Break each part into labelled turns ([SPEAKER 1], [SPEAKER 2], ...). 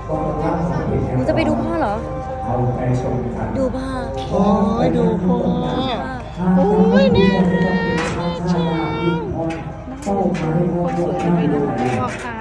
[SPEAKER 1] หนูจะไปดูพ่อเหรอดูพ่อ
[SPEAKER 2] โอ้ยดูพ่อโอ้ยน่ารักชอบคนสวยไปดูพ่อค่ะ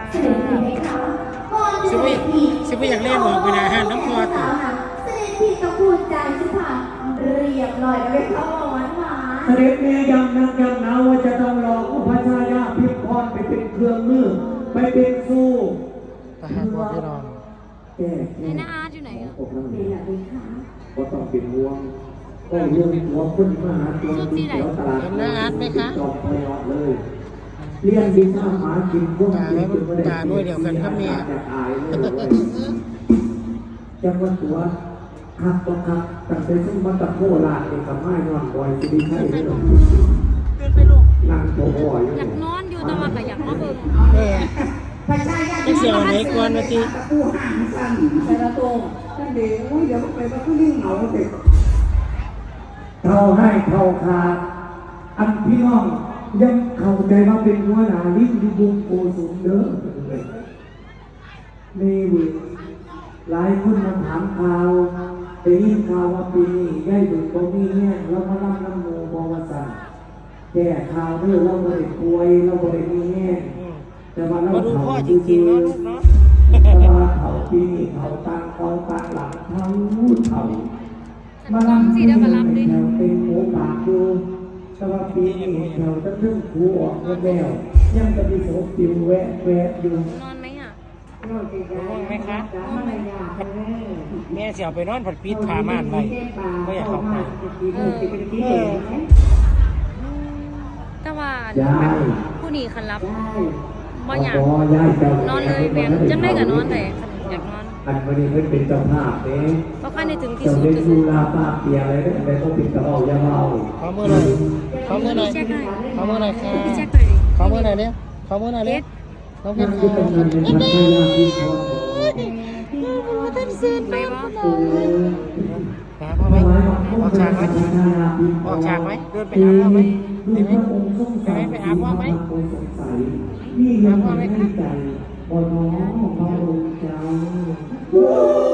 [SPEAKER 2] สิบอยากเล่นหรอกเวลาห้ามน้ำพอติ
[SPEAKER 3] เสด็จพี่ก็พูดใจสิค่ะเรียบร้อยแล้วไปเข้าหวานหวาน
[SPEAKER 4] เสด็จแม่ยังนักยังหนาวว่าจะต้องรอพระชายาพิมพรไปเป็นเครื่องมือไปเป็นสู้
[SPEAKER 2] ทหารพอพี่น้อง
[SPEAKER 4] แก่
[SPEAKER 1] ไหนนะอาร์ตอยู่ไหนอ่ะ
[SPEAKER 3] นี่แหละดีค่ะ
[SPEAKER 4] ก็ต้องเป็นห่วงก็เรื่องหัวคนมาหาตัวที่แถวตลาด
[SPEAKER 2] เห็นหน้าอาร์ตไหมคะ
[SPEAKER 4] จอมพยอเลยเลี้ยงดินข้าวหมากินพวก
[SPEAKER 2] ตาด้วยเดียวกันครับเนี่ย
[SPEAKER 4] จังหวัดตัวครับต้องครับตั้งแต่ซึ่งมาตะโคลาดเองกับไม้นอนบ่อยสิริชัยเลยนั่งโผล่อยู่
[SPEAKER 1] อยากนอนอยู่แต่ว่าก็อยากมาเบิ่ง
[SPEAKER 2] จะเสียวไหนก่อนมาที
[SPEAKER 4] ผู้ห่างสั่นแต่ละตัวนั่นเดี๋ยวไปว่าผู้ลิ่งเหงาเด็กเท่าให้เท่าขาดอันพี่น้องยังเข้าใจว่าเป็นหัวหน้าลิ้นที่บุงโกสุนเด้อนี่เว้ยหลายคนมาถามข่าวได้ยินข่าวว่าปีนี้ได้ดูตรงนี้เนี่ยเรามารับน้ำโมบวชแก่ข่าวเด้อเราไม่ได้ป่วยเราไม่ได้มีแห้งแต่ว่าเราเผาจริงๆเนาะลูกเนาะแต่ว่าเผาปีนี้เผาตังเอาตังหลังเผาเผามาลำที่แถวเป็นหมูปากดูแต่ว่าปีนี้แถวจะเพิ่งคูออกแล้วยังจะมีโสติวแวะอยู่
[SPEAKER 1] นอนไหมอ่ะ
[SPEAKER 2] นอนไหมคะแม่เสียวไปนอนผัดปี๊ดพาม่านไปก็อยากเข้าไป
[SPEAKER 1] แต่ว่าผู้นี้คันรับบ่อยากนอนเลยแบงจังได้กับนอนแต่อยากนอน
[SPEAKER 4] อันวันนี้เป็นเจ้าภาพเอง
[SPEAKER 1] เพราะใครในถึงที่สุด
[SPEAKER 4] จะดูลาป้าเปียอะไรอะไรต้องปิดกระเอาอย่าเมา
[SPEAKER 2] ขอมือหน่อยขอมือหน่อยขอมือหน่อยค่ะขอมือหน่อยเนี่ยขอมือหน่อยเนี่ยขอมือหน่อยท่านเสียนไปวะหาพ่อไหมออกฉากไหมออกฉากไหมเดินไปหาพ่อไหมไปไหมไปหาพ่อไหม
[SPEAKER 4] นี่ยังไม่ใจบนน้องของเราเจ้า